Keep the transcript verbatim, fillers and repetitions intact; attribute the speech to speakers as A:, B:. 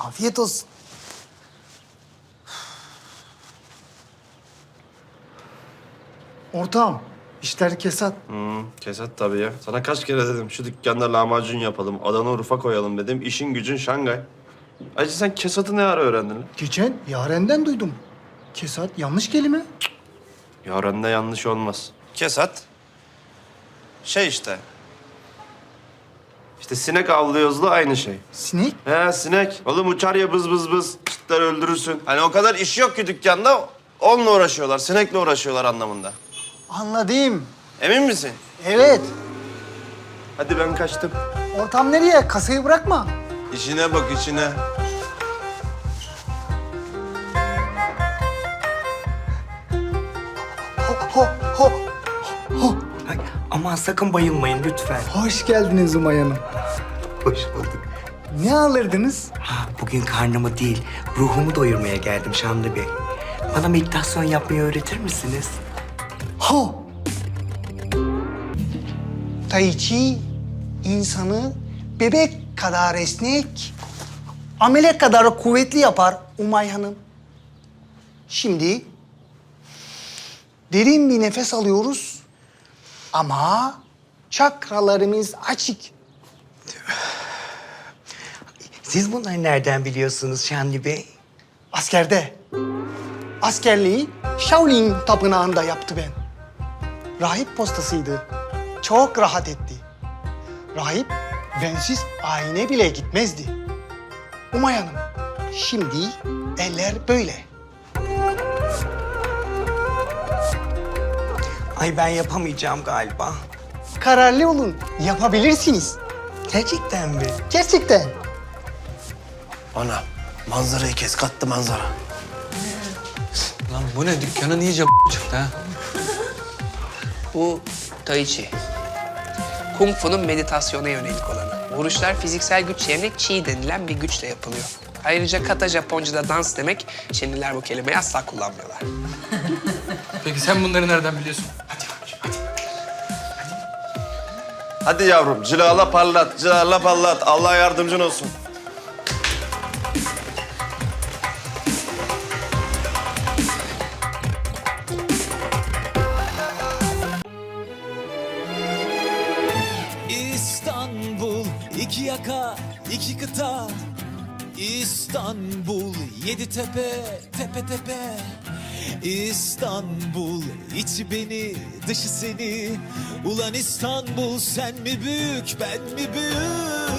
A: Afiyet olsun. Ortağım, işler kesat.
B: Hmm, kesat tabii ya. Sana kaç kere dedim şu dükkanda lahmacun yapalım, Adana Urfa koyalım dedim. İşin gücün Şangay. Ayrıca sen kesatı ne ara öğrendin lan?
A: Geçen Yaren'den duydum. Kesat yanlış kelime.
B: Yaren'de yanlış olmaz. Kesat, şey işte. İşte sinek avlıyoruzla aynı şey.
A: Sinek.
B: He sinek. Oğlum uçar ya bız bız bız. Çıtlar öldürürsün. Hani o kadar iş yok ki dükkanda. Onunla uğraşıyorlar, sinekle uğraşıyorlar anlamında.
A: Anladım.
B: Emin misin?
A: Evet.
B: Hadi ben kaçtım.
A: Ortam nereye? Kasayı bırakma.
B: İşine bak işine.
A: Ho, ho, ho. Ho.
C: Ay, aman sakın bayılmayın lütfen.
A: Hoş geldiniz Umay Hanım.
C: Hoş bulduk.
A: Ne alırdınız?
C: Ha, bugün karnımı değil, ruhumu doyurmaya geldim Şamlı Bey. Bana meditasyon yapmayı öğretir misiniz?
A: Ho. Tai Chi insanı bebek kadar esnek, amele kadar kuvvetli yapar Umay Hanım. Şimdi derin bir nefes alıyoruz ama çakralarımız açık.
C: Siz bunları nereden biliyorsunuz Şamlı Bey?
A: Askerde. Askerliği Shaolin tapınağında yaptı ben. Rahip postasıydı. Çok rahat etti. Rahip bensiz ayine bile gitmezdi. Umay Hanım, şimdi eller böyle.
C: Ay ben yapamayacağım galiba.
A: Kararlı olun, yapabilirsiniz.
C: Gerçekten mi?
A: Gerçekten.
B: Ana manzarayı kes kattı manzara.
D: Lan bu ne? Dükkanın iyice çıktı ha.
E: Bu Tai Chi. Kung Fu'nun meditasyona yönelik olanı. Vuruşlar fiziksel güç yerine Chi denilen bir güçle yapılıyor. Ayrıca Kata Japonca'da dans demek, Çinliler bu kelimeyi asla kullanmıyorlar.
D: Peki sen bunları nereden biliyorsun?
B: Hadi yavrum cilala parlat, cilala parlat. Allah yardımcın olsun.
F: İstanbul, iki yaka, iki kıta. İstanbul, yedi tepe, tepe tepe. İstanbul, içi beni, dışı seni. Ulan İstanbul, sen mi büyük, ben mi büyük?